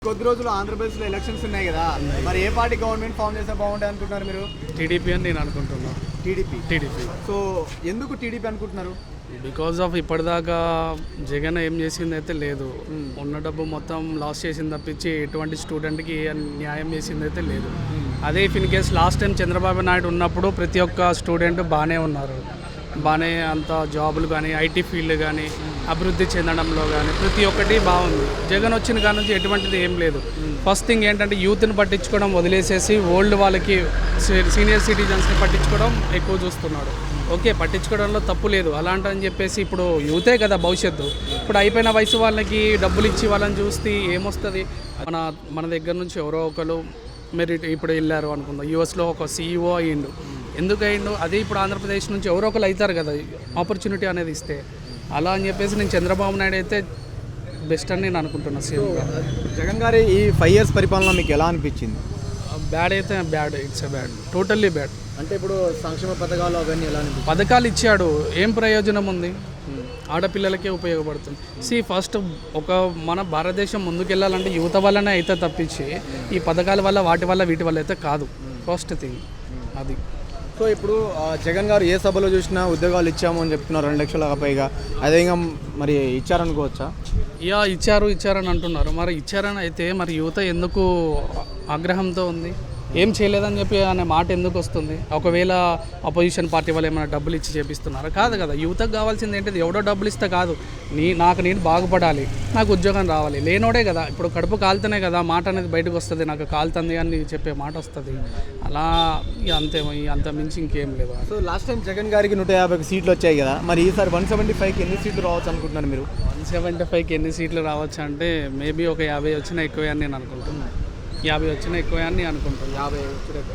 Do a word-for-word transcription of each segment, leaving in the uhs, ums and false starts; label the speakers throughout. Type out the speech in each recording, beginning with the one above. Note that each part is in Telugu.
Speaker 1: కొద్ది రోజులు ఆంధ్రప్రదేశ్లో ఎలక్షన్స్ ఉన్నాయి కదా, మరి ఏ పార్టీ గవర్నమెంట్ ఫామ్ చేస్తే బాగుంటుంది అనుకుంటున్నారు మీరు?
Speaker 2: టీడీపీ అని నేను అనుకుంటున్నాను.
Speaker 1: టీడీపీ
Speaker 2: టీడీపీ
Speaker 1: సో ఎందుకు టీడీపీ అనుకుంటున్నారు?
Speaker 2: బికాజ్ ఆఫ్ ఇప్పటిదాకా జగన్ ఏం చేసింది అయితే లేదు. ఉన్న డబ్బు మొత్తం లాస్ చేసింది తప్పించి ఎటువంటి స్టూడెంట్కి న్యాయం చేసింది అయితే లేదు. అదే if in case last time Chandrababu Naidu ఉన్నప్పుడు ప్రతి ఒక్క స్టూడెంట్ బాగానే ఉన్నారు, బాగానే అంత జాబులు కానీ ఐటీ ఫీల్డ్ కానీ అభివృద్ధి చెందడంలో కానీ ప్రతి ఒక్కటి బాగుంది. జగన్ వచ్చిన కాడ నుంచి ఎటువంటిది ఏం లేదు. ఫస్ట్ థింగ్ ఏంటంటే యూత్ని పట్టించుకోవడం వదిలేసేసి ఓల్డ్ వాళ్ళకి సీనియర్ సిటిజన్స్ని పట్టించుకోవడం ఎక్కువ చూస్తున్నాడు. ఓకే, పట్టించుకోవడంలో తప్పు లేదు, అలాంటని చెప్పేసి ఇప్పుడు యూతే కదా భవిష్యత్తు. ఇప్పుడు అయిపోయిన వయసు వాళ్ళకి డబ్బులు ఇచ్చి వాళ్ళని చూస్తే ఏమొస్తుంది? మన మన దగ్గర నుంచి ఎవరో ఒకరు మెరిట్ ఇప్పుడు వెళ్ళారు అనుకుందాం, యూఎస్లో ఒక సీఈఓ అయ్యిండు. ఎందుకు అయ్యిండు? అదే ఇప్పుడు ఆంధ్రప్రదేశ్ నుంచి ఎవరో ఒకరు అవుతారు కదా ఆపర్చునిటీ అనేది ఇస్తే. అలా అని చెప్పేసి నేను చంద్రబాబు నాయుడు అయితే బెస్ట్ అని నేను అనుకుంటున్నాను. సీఎంగా
Speaker 1: జగన్ గారి ఈ ఫైవ్ ఇయర్స్ పరిపాలన మీకు ఎలా అనిపించింది?
Speaker 2: బ్యాడ్ అయితే bad, it's a bad, totally bad.
Speaker 1: అంటే ఇప్పుడు సంక్షేమ పథకాలు అవన్నీ ఎలా అనిపించింది?
Speaker 2: పథకాలు ఇచ్చాడు, ఏం ప్రయోజనం ఉంది? ఆడపిల్లలకే ఉపయోగపడుతుంది. సి ఫస్ట్ ఒక మన భారతదేశం ముందుకెళ్ళాలంటే యువత వల్లనే అయితే తప్పించి ఈ పథకాల వల్ల వాటి వల్ల వీటి వల్ల అయితే కాదు. ఫస్ట్ థింగ్ అది.
Speaker 1: సో ఇప్పుడు జగన్ గారు ఏ సభలో చూసినా ఉద్యోగాలు ఇచ్చాము అని చెప్తున్నారు, రెండు లక్షల పైగా. అదే ఇంకా మరి ఇచ్చారనుకోవచ్చా?
Speaker 2: యా ఇచ్చారు ఇచ్చారని అంటున్నారు. మరి ఇచ్చారని అయితే మరి యువత ఎందుకు ఆగ్రహంతో ఉంది? ఏం చేయలేదని చెప్పి అనే మాట ఎందుకు వస్తుంది? ఒకవేళ అపోజిషన్ పార్టీ వాళ్ళు ఏమైనా డబ్బులు ఇచ్చి చేపిస్తున్నారా? కాదు కదా. యువతకు కావాల్సింది ఏంటిది? ఎవడో డబ్బులు ఇస్తే కాదు, నీ నాకు నేను బాగుపడాలి, నాకు ఉద్యోగం రావాలి. లేనోడే కదా ఇప్పుడు కడుపు కాలుతనే కదా మాట అనేది బయటకు వస్తుంది, నాకు కాలుతుంది అని చెప్పే మాట వస్తుంది. అలా అంతే, అంత మించి ఇంకేం లేదు.
Speaker 1: సో లాస్ట్ టైం జగన్ గారికి నూట యాభై సీట్లు వచ్చాయి కదా, మరి ఈసారి వన్ సెవెంటీ ఫైవ్కి ఎన్ని సీట్లు రావచ్చు అనుకుంటున్నారు మీరు?
Speaker 2: వన్ సెవెంటీ ఫైవ్కి ఎన్ని సీట్లు రావచ్చు అంటే మేబీ ఒక యాభై వచ్చినా ఎక్కువ అని నేను అనుకుంటున్నాను. యాభై వచ్చినా ఎక్కువ అని అనుకుంటాను.
Speaker 1: యాభై వచ్చిన ఎక్కువ.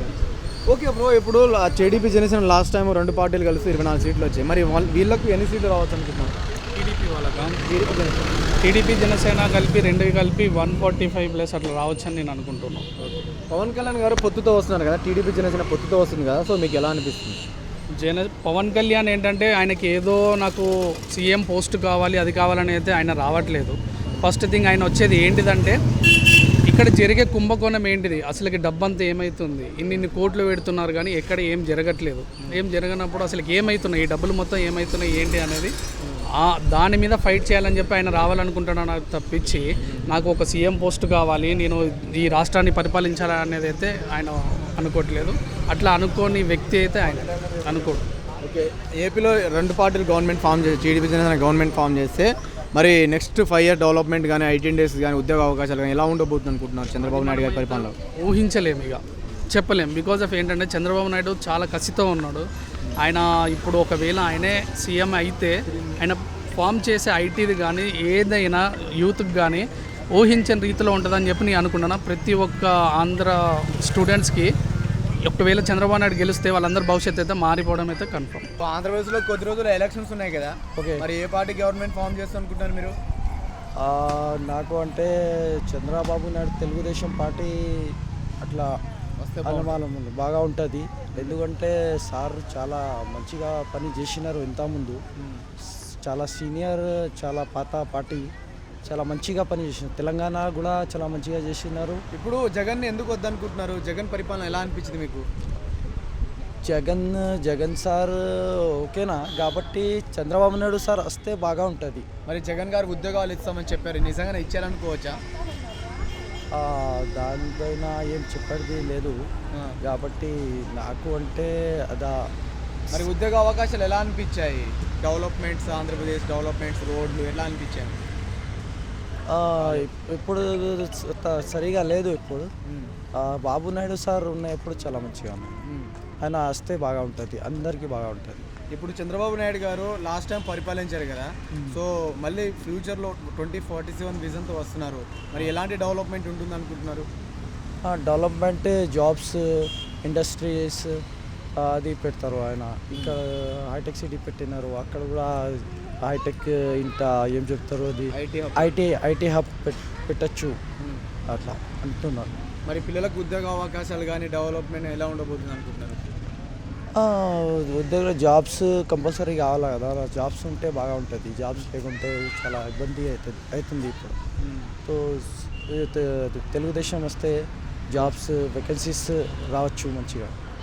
Speaker 1: ఓకే బ్రో, ఇప్పుడు టీడీపీ జనసేన లాస్ట్ టైం రెండు పార్టీలు కలిసి ఇరవై నాలుగు సీట్లు వచ్చాయి. మరి వీళ్ళకు ఎన్ని సీట్లు రావచ్చు అనుకుంటున్నారు?
Speaker 2: టీడీపీ వాళ్ళకా?
Speaker 1: టీడీపీ జనసేన
Speaker 2: టీడీపీ జనసేన కలిపి రెండు కలిపి వన్ ఫార్టీ ఫైవ్ ప్లస్ అట్లా రావచ్చు అని నేను అనుకుంటున్నాను.
Speaker 1: పవన్ కళ్యాణ్ గారు పొత్తుతో వస్తున్నారు కదా, టీడీపీ జనసేన పొత్తుతో వస్తుంది కదా, సో మీకు ఎలా అనిపిస్తుంది?
Speaker 2: జన పవన్ కళ్యాణ్ ఏంటంటే ఆయనకి ఏదో నాకు సీఎం పోస్ట్ కావాలి అది కావాలని అయితే ఆయన రావట్లేదు. ఫస్ట్ థింగ్ ఆయన వచ్చేది ఏంటిదంటే ఇక్కడ జరిగే కుంభకోణం ఏంటిది, అసలుకి డబ్బంతా ఏమవుతుంది, ఇన్ని ఇన్ని కోట్లు పెడుతున్నారు కానీ ఎక్కడ ఏం జరగట్లేదు. ఏం జరగనప్పుడు అసలుకి ఏమవుతున్నాయి, ఈ డబ్బులు మొత్తం ఏమవుతున్నాయి ఏంటి అనేది దాని మీద ఫైట్ చేయాలని చెప్పి ఆయన రావాలనుకుంటున్నాను తప్పించి నాకు ఒక సీఎం పోస్ట్ కావాలి, నేను ఈ రాష్ట్రాన్ని పరిపాలించాలనేది అయితే ఆయన అనుకోవట్లేదు. అట్లా అనుకోని వ్యక్తి అయితే ఆయన అనుకోడు.
Speaker 1: ఓకే, ఏపీలో రెండు పార్టీలు గవర్నమెంట్ ఫామ్ చేసి టీడీపీ జనసేన గవర్నమెంట్ ఫామ్ చేస్తే మరి నెక్స్ట్ ఫైవ్ ఇయర్ డెవలప్మెంట్ కానీ ఐటీ ఇండస్ట్రీస్ కానీ ఉద్యోగ అవకాశాలు కానీ ఎలా ఉండబోతుంది అనుకుంటున్నారు చంద్రబాబు నాయుడు గారి పరిపాలనలో?
Speaker 2: ఊహించలేము, ఇక చెప్పలేము. బికాజ్ ఆఫ్ ఏంటంటే చంద్రబాబు నాయుడు చాలా కసితో ఉన్నాడు. ఆయన ఇప్పుడు ఒకవేళ ఆయనే సీఎం అయితే ఆయన ఫామ్ చేసే ఐటీది కానీ ఏదైనా యూత్కి కానీ ఊహించని రీతిలో ఉంటుందని చెప్పి నేను అనుకుంటున్నా. ప్రతి ఒక్క ఆంధ్ర స్టూడెంట్స్కి ఒకవేళ చంద్రబాబు నాయుడు గెలిస్తే వాళ్ళందరూ భవిష్యత్తు అయితే మారిపోవడం అయితే కన్ఫర్మ్.
Speaker 1: ఆంధ్రప్రదేశ్లో కొద్ది రోజులు ఎలక్షన్స్ ఉన్నాయి కదా, ఓకే, మరి ఏ పార్టీ గవర్నమెంట్ ఫామ్ చేస్తా అనుకుంటున్నారు మీరు?
Speaker 3: నాకు అంటే చంద్రబాబు నాయుడు తెలుగుదేశం పార్టీ అట్లా అనుమానం ఉంది, బాగా ఉంటుంది. ఎందుకంటే సార్ చాలా మంచిగా పని చేసినారు ఇంతకుముందు, చాలా సీనియర్, చాలా పాత పార్టీ, చాలా మంచిగా పని చేసినారు. తెలంగాణ కూడా చాలా మంచిగా చేసినారు.
Speaker 1: ఇప్పుడు జగన్ ఎందుకు వద్దనుకుంటున్నారు? జగన్ పరిపాలన ఎలా అనిపించింది మీకు?
Speaker 3: జగన్ జగన్ సార్ ఓకేనా, కాబట్టి చంద్రబాబు నాయుడు సార్ వస్తే బాగా ఉంటుంది.
Speaker 1: మరి జగన్ గారు ఉద్యోగాలు ఇస్తామని చెప్పారు, నిజంగానే ఇచ్చారనుకోవచ్చా?
Speaker 3: దానిపైన ఏం చెప్పేది లేదు కాబట్టి నాకు అంటే అదా.
Speaker 1: మరి ఉద్యోగ అవకాశాలు ఎలా అనిపించాయి? డెవలప్మెంట్స్, ఆంధ్రప్రదేశ్ డెవలప్మెంట్స్, రోడ్లు ఎలా అనిపించాయి?
Speaker 3: ఇప్పుడు సరిగా లేదు. ఇప్పుడు బాబు నాయుడు సార్ ఉన్నప్పుడు చాలా మంచిగా ఉన్నాయి. ఆయన వస్తే బాగా ఉంటుంది, అందరికీ బాగా ఉంటుంది.
Speaker 1: ఇప్పుడు చంద్రబాబు నాయుడు గారు లాస్ట్ టైం పరిపాలించారు కదా, సో మళ్ళీ ఫ్యూచర్లో ట్వంటీ ఫార్టీ సెవెన్ విజన్తో వస్తున్నారు. మరి ఎలాంటి డెవలప్మెంట్ ఉంటుంది అనుకుంటున్నారు?
Speaker 3: డెవలప్మెంట్, జాబ్స్, ఇండస్ట్రీస్ అది పెడతారు ఆయన. ఇంకా హైటెక్ సిటీ పెట్టినారు, అక్కడ కూడా హైటెక్ ఇంత ఏం చెప్తారు అది ఐటీ ఐటీ హబ్ పెట్టచ్చు అట్లా అంటున్నారు.
Speaker 1: మరి పిల్లలకు ఉద్యోగ అవకాశాలు కానీ డెవలప్మెంట్ ఎలా ఉండబోతుంది అనుకుంటున్నారు?
Speaker 3: ఉద్యోగ జాబ్స్ కంపల్సరీ కావాలి కదా, జాబ్స్ ఉంటే బాగా ఉంటుంది. జాబ్స్ లేకుంటే చాలా ఇబ్బంది అవుతుంది అవుతుంది ఇప్పుడు. సో తె- తెలుగుదేశం వస్తే జాబ్స్ వేకెన్సీస్ రావచ్చు మంచిగా.